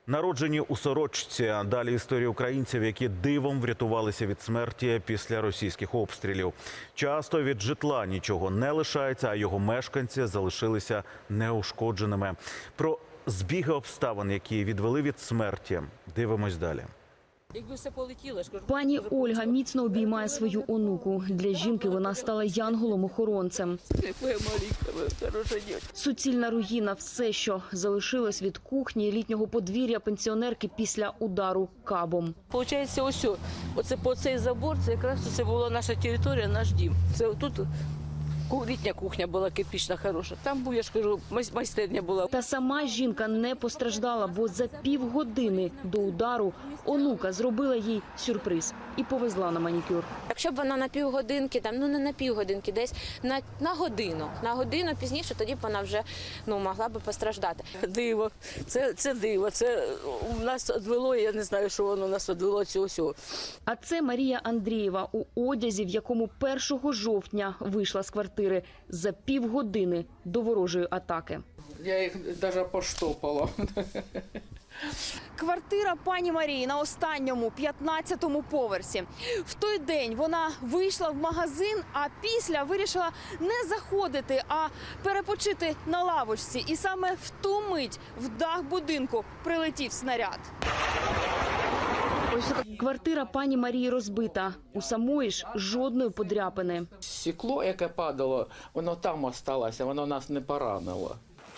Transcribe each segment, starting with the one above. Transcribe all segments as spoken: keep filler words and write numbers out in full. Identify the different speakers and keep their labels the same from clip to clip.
Speaker 1: Народжені у Сорочці. Далі історії українців, які дивом врятувалися від смерті після російських обстрілів. Часто від житла нічого не лишається, а його мешканці залишилися неушкодженими. Про збіги обставин, які відвели від смерті, дивимось далі.
Speaker 2: Якби все полетіло, ж кажу.
Speaker 3: Пані Ольга міцно обіймає свою онуку. Для жінки вона стала янголом-охоронцем.
Speaker 2: Моя маленька, моя хороша дівчинка.
Speaker 3: Суцільна руїна – все, що залишилось від кухні і літнього подвір'я пенсіонерки після удару кабом.
Speaker 2: Получається, ось, о, оце по цей забор, це якраз це була наша територія, наш дім. Це тут літня кухня була кирпічна, хороша. Там був, я ж кажу, майстерня була.
Speaker 3: Та сама жінка не постраждала, бо за півгодини до удару онука зробила їй сюрприз і повезла на манікюр.
Speaker 4: Якщо б вона на півгодинки, там, ну не на півгодинки, десь на, на годину, на годину пізніше, тоді б вона вже ну, могла б постраждати.
Speaker 2: Диво, це, це диво, це у нас відвело, я не знаю, що воно нас відвело цього всього.
Speaker 3: А це Марія Андрієва у одязі, в якому першого жовтня вийшла з квартири за півгодини до ворожої атаки.
Speaker 5: Я їх навіть поштопала.
Speaker 6: Квартира пані Марії на останньому, п'ятнадцятому поверсі. В той день вона вийшла в магазин, а після вирішила не заходити, а перепочити на лавочці. І саме в ту мить в дах будинку прилетів снаряд.
Speaker 3: Квартира пані Марії розбита. У самої ж жодної подряпини.
Speaker 5: Стекло, яке падало, воно там залишилося, воно нас не поранило.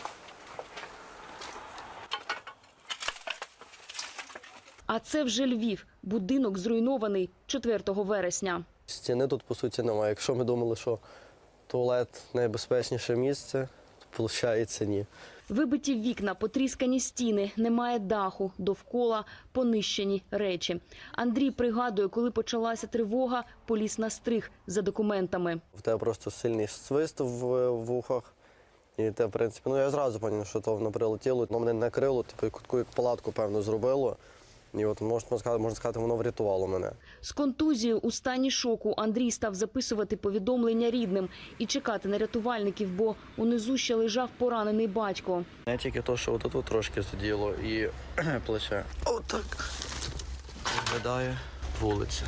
Speaker 3: А це вже Львів. Будинок зруйнований четвертого вересня.
Speaker 7: Стіни тут, по суті, немає. Якщо ми думали, що туалет – найбезпечніше місце, то, виходить, ні.
Speaker 3: Вибиті вікна, потріскані стіни, немає даху, довкола понищені речі. Андрій пригадує, коли почалася тривога, поліз на стриг за документами.
Speaker 7: В тебе просто сильний свист в вухах. І те, в принципі, ну я зразу зрозумів, що то воно прилетіло. Воно мене накрило, типу, таку як палатку, певно, зробило. І от, можна сказати, можна сказати, воно врятувало мене.
Speaker 3: З контузією у стані шоку Андрій став записувати повідомлення рідним і чекати на рятувальників, бо унизу ще лежав поранений батько.
Speaker 7: Не тільки то, що отут трошки заділо і плече. Отак виглядає вулиця.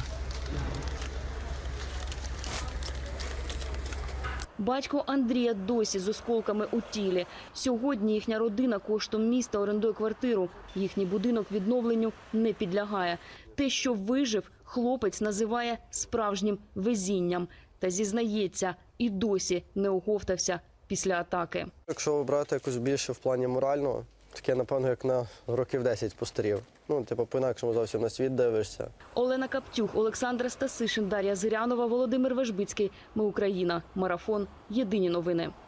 Speaker 3: Батько Андрія досі з осколками у тілі. Сьогодні їхня родина коштом міста орендує квартиру. Їхній будинок відновленню не підлягає. Те, що вижив, хлопець називає справжнім везінням. Та зізнається, і досі не оговтався після атаки.
Speaker 7: Якщо брати якось більше в плані морального, таке, напевно, як на років десять постарів. Ну, типу, по-інакшому зовсім на світ дивишся.
Speaker 3: Олена Каптюх, Олександра Стасишин, Дар'я Зирянова, Володимир Вежбицький. Ми Україна. Марафон. Єдині новини.